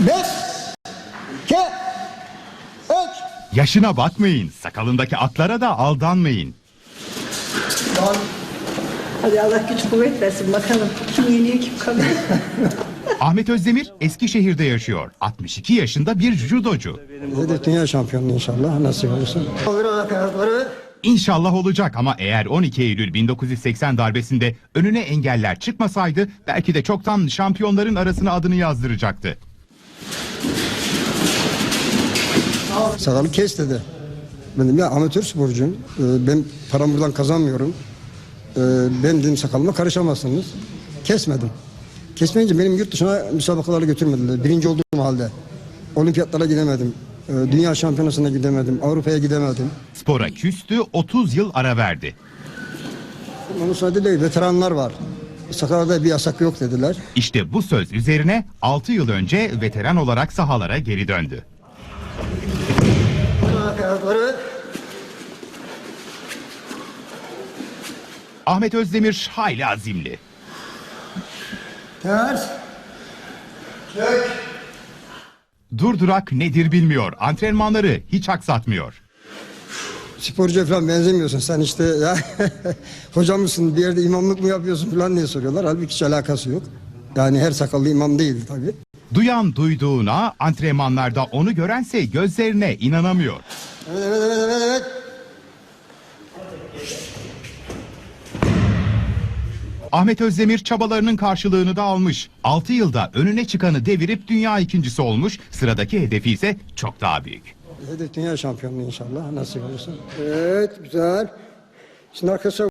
5, 2, 3. Yaşına bakmayın, sakalındaki atlara da aldanmayın. Hadi Allah güç kuvvet versin bakalım. Kim yeniyor kim kalıyor. Ahmet Özdemir Eskişehir'de yaşıyor. 62 yaşında bir judocu. Hedef dünya şampiyonluğu inşallah nasip olursa. İnşallah olacak ama eğer 12 Eylül 1980 darbesinde önüne engeller çıkmasaydı belki de çoktan şampiyonların arasına adını yazdıracaktı. Sakalı kes dedi. Benim ya amatör sporcuyum. Ben paramı buradan kazanmıyorum. Ben dedim sakalıma karışamazsınız. Kesmedim. Kesmeyince benim yurt dışına müsabakalara götürmediler. Birinci olduğum halde. Olimpiyatlara gidemedim. Dünya şampiyonasına gidemedim. Avrupa'ya gidemedim. Spora küstü, 30 yıl ara verdi. Onun sadece değil, veteranlar var. Sakalda bir yasak yok dediler. İşte bu söz üzerine 6 yıl önce veteran olarak sahalara geri döndü. Ahmet Özdemir hayli azimli. Ters. Çök. Durdurak nedir bilmiyor. Antrenmanları hiç aksatmıyor. Sporcuya falan benzemiyorsun sen işte ya. Hocam mısın bir yerde imamlık mı yapıyorsun falan diye soruyorlar. Halbuki hiç alakası yok. Yani her sakallı imam değil tabii. Duyan duyduğuna, antrenmanlarda onu görense gözlerine inanamıyor. Evet. Ahmet Özdemir çabalarının karşılığını da almış. 6 yılda önüne çıkanı devirip dünya ikincisi olmuş. Sıradaki hedefi ise çok daha büyük. Hedef dünya şampiyonluğu inşallah nasip olursa. Evet güzel. Şimdi arkadaşlar